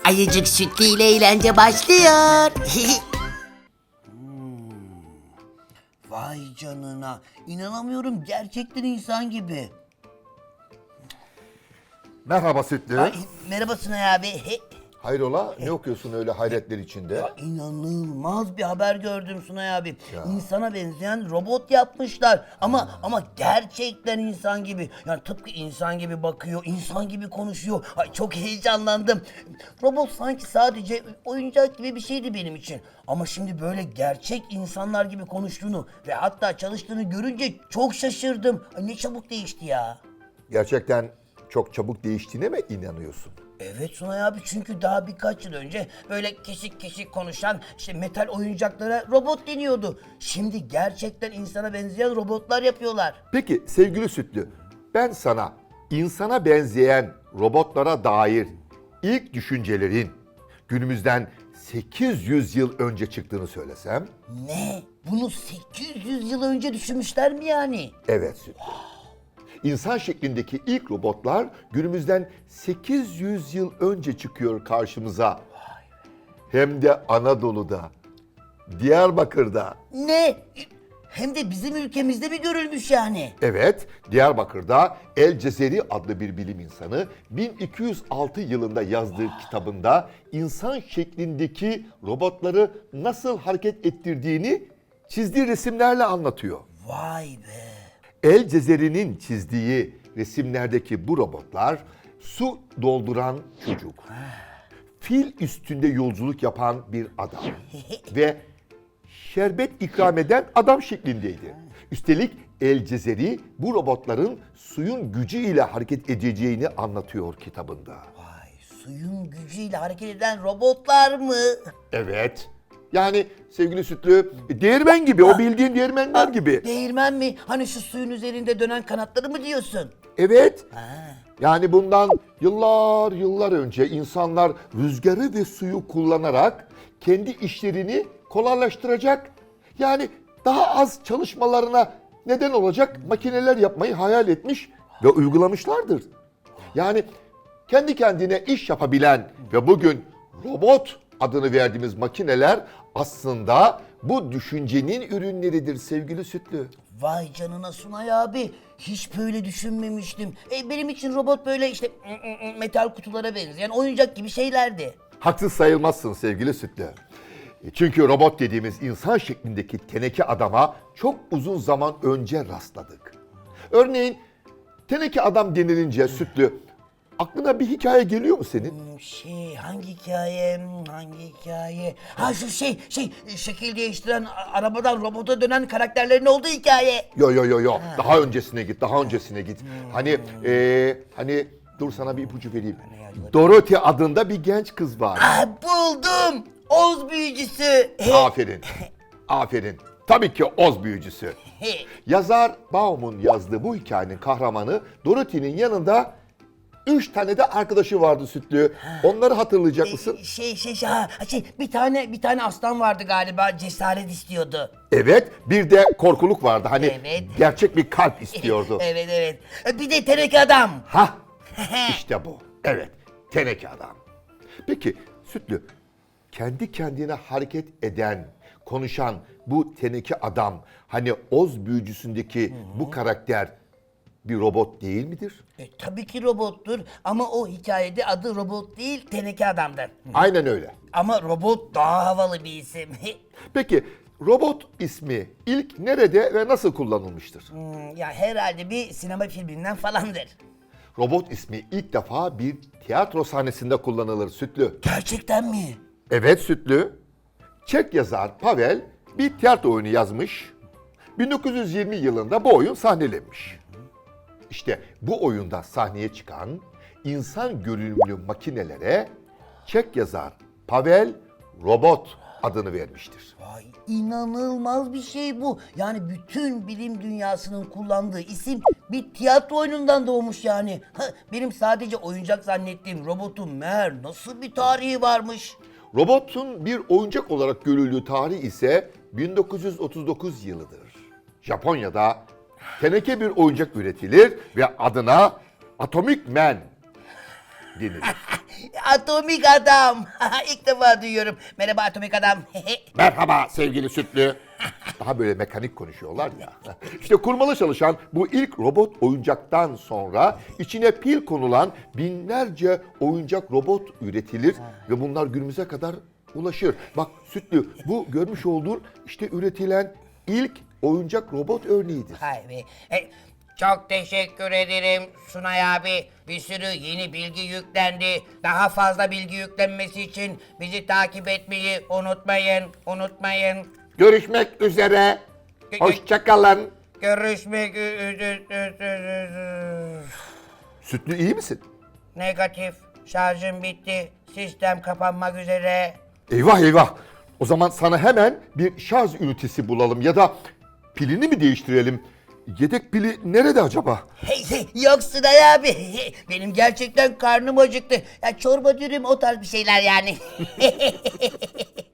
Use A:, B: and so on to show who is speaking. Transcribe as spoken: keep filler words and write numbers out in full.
A: Ayıcık Sütlü ile eğlence başlıyor.
B: Vay canına. İnanamıyorum, gerçekten insan gibi.
C: Merhaba Sütlü.
B: Ay, merhaba Sunay abi. He,
C: Hayrola ne okuyorsun öyle hayretler içinde?
B: İnanılmaz bir haber gördüm Sunay abi. İnsana benzeyen robot yapmışlar. Ama ama gerçekten insan gibi. Yani tıpkı insan gibi bakıyor, insan gibi konuşuyor. Ay, çok heyecanlandım. Robot sanki sadece oyuncak gibi bir şeydi benim için. Ama şimdi böyle gerçek insanlar gibi konuştuğunu ve hatta çalıştığını görünce çok şaşırdım. Ay, ne çabuk değişti ya.
C: Gerçekten çok çabuk değiştiğine mi inanıyorsun?
B: Evet Sunay abi, çünkü daha birkaç yıl önce böyle kesik kesik konuşan işte metal oyuncaklara robot deniyordu. Şimdi gerçekten insana benzeyen robotlar yapıyorlar.
C: Peki sevgili Sütlü, ben sana insana benzeyen robotlara dair ilk düşüncelerin günümüzden sekiz yüz yıl önce çıktığını söylesem?
B: Ne? Bunu sekiz yüz yıl önce düşünmüşler mi yani?
C: Evet Sütlü. İnsan şeklindeki ilk robotlar günümüzden sekiz yüz yıl önce çıkıyor karşımıza. Hem de Anadolu'da, Diyarbakır'da.
B: Ne? Hem de bizim ülkemizde mi görülmüş yani?
C: Evet, Diyarbakır'da El Cezeri adlı bir bilim insanı bin iki yüz altı yılında yazdığı kitabında insan şeklindeki robotları nasıl hareket ettirdiğini çizdiği resimlerle anlatıyor.
B: Vay be.
C: El Cezeri'nin çizdiği resimlerdeki bu robotlar su dolduran çocuk, fil üstünde yolculuk yapan bir adam ve şerbet ikram eden adam şeklindeydi. Üstelik El Cezeri bu robotların suyun gücüyle hareket edeceğini anlatıyor kitabında.
B: Vay, suyun gücüyle hareket eden robotlar mı?
C: Evet. Yani sevgili Sütlü, değirmen gibi, o bildiğin değirmenler gibi.
B: Değirmen mi? Hani şu suyun üzerinde dönen kanatları mı diyorsun?
C: Evet.
B: Ha.
C: Yani bundan yıllar yıllar önce insanlar rüzgarı ve suyu kullanarak kendi işlerini kolaylaştıracak, yani daha az çalışmalarına neden olacak makineler yapmayı hayal etmiş ve uygulamışlardır. Yani kendi kendine iş yapabilen ve bugün robot adını verdiğimiz makineler aslında bu düşüncenin ürünleridir sevgili Sütlü.
B: Vay canına Sunay abi. Hiç böyle düşünmemiştim. E, benim için robot böyle işte metal kutulara benzeyen oyuncak gibi şeylerdi.
C: Haksız sayılmazsın sevgili Sütlü. Çünkü robot dediğimiz insan şeklindeki teneke adama çok uzun zaman önce rastladık. Örneğin teneke adam denilince Sütlü, aklına bir hikaye geliyor mu senin?
B: Hmm, Şey hangi hikaye hmm, hangi hikaye? Ha şu şey şey şekil değiştiren a- arabadan robota dönen karakterlerin olduğu hikaye.
C: Yo yo yo yo. Daha öncesine git, daha öncesine git. Hani eee hani dur sana bir ipucu vereyim. Dorothy adında bir genç kız var.
B: Ah, buldum. Oz büyücüsü. He.
C: Aferin. Aferin. Tabii ki Oz büyücüsü.
B: He.
C: Yazar Baum'un yazdığı bu hikayenin kahramanı Dorothy'nin yanında üç tane de arkadaşı vardı Sütlü. Onları hatırlayacak mısın?
B: Şey şey şey, ha, şey bir tane bir tane aslan vardı galiba, cesaret istiyordu.
C: Evet, bir de korkuluk vardı. Hani
B: Evet.
C: gerçek bir kalp istiyordu.
B: Evet evet. E, Bir de teneke adam.
C: Hah, işte bu. Evet, teneke adam. Peki Sütlü, kendi kendine hareket eden, konuşan bu teneke adam, hani Oz büyücüsündeki bu karakter bir robot değil midir?
B: E, tabii ki robottur ama o hikayede adı robot değil, teneke adamdır.
C: Aynen öyle.
B: Ama robot daha havalı bir isim.
C: Peki robot ismi ilk nerede ve nasıl kullanılmıştır?
B: Hmm, ya herhalde bir sinema filminden falandır.
C: Robot ismi ilk defa bir tiyatro sahnesinde kullanılır Sütlü.
B: Gerçekten mi?
C: Evet Sütlü. Çek yazar Pavel bir tiyatro oyunu yazmış. bin dokuz yüz yirmi yılında bu oyun sahnelenmiş. İşte bu oyunda sahneye çıkan insan görünümlü makinelere Çek yazar Pavel robot adını vermiştir.
B: Vay, inanılmaz bir şey bu. Yani bütün bilim dünyasının kullandığı isim bir tiyatro oyunundan doğmuş yani. Ha, benim sadece oyuncak zannettiğim robotun meğer nasıl bir tarihi varmış.
C: Robotun bir oyuncak olarak görüldüğü tarih ise bin dokuz yüz otuz dokuz yılıdır. Japonya'da teneke bir oyuncak üretilir ve adına Atomic Man denilir.
B: Atomik adam. İlk defa duyuyorum. Merhaba Atomik adam.
C: Merhaba sevgili Sütlü. Daha böyle mekanik konuşuyorlar ya. İşte kurmalı çalışan bu ilk robot oyuncaktan sonra içine pil konulan binlerce oyuncak robot üretilir ve bunlar günümüze kadar ulaşır. Bak Sütlü, bu görmüş olduğun işte üretilen ilk oyuncak robot örneğidir.
B: Hay be. E, çok teşekkür ederim Sunay abi. Bir sürü yeni bilgi yüklendi. Daha fazla bilgi yüklenmesi için bizi takip etmeyi unutmayın. Unutmayın.
C: Görüşmek üzere. Hoşçakalın.
B: Görüşmek üzere.
C: Sütlü iyi misin?
B: Negatif. Şarjım bitti. Sistem kapanmak üzere.
C: Eyvah eyvah. O zaman sana hemen bir şarj ünitesi bulalım ya da pilini mi değiştirelim? Yedek pili nerede acaba?
B: Hey, hey, yok Sunay abi. Benim gerçekten karnım acıktı. Ya çorba dürüm o tarz bir şeyler yani.